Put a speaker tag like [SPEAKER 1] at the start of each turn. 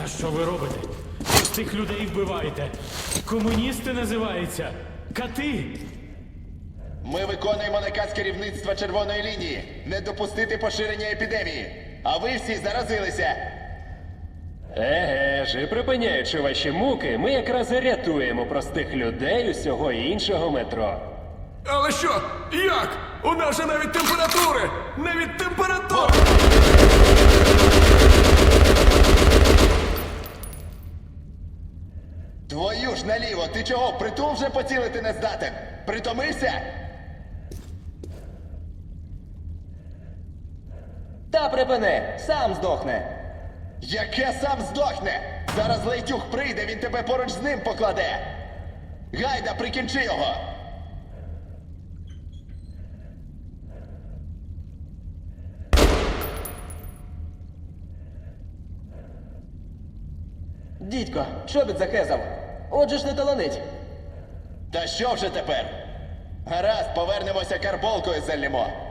[SPEAKER 1] Та що ви робите? Простих людей вбиваєте. Комуністи називаються. Кати.
[SPEAKER 2] Ми виконуємо наказ керівництва Червоної лінії не допустити поширення епідемії. А ви всі заразилися.
[SPEAKER 3] Еге ж, і припиняючи ваші муки, ми якраз і рятуємо простих людей усього іншого метро.
[SPEAKER 4] Але що? Як? У нас же навіть температури! Навіть температури!
[SPEAKER 2] Твою ж наліво, ти чого, в притул вже поцілити не здатен? Притомився?
[SPEAKER 5] Та припини, сам здохне.
[SPEAKER 2] Яке сам здохне? Зараз Лейтюх прийде, він тебе поруч з ним покладе. Гайда, прикінчи його.
[SPEAKER 5] Дідько, чобіт захезав. Отже ж не таланить.
[SPEAKER 2] Та що вже тепер? Гаразд, повернемося карболкою зальємо.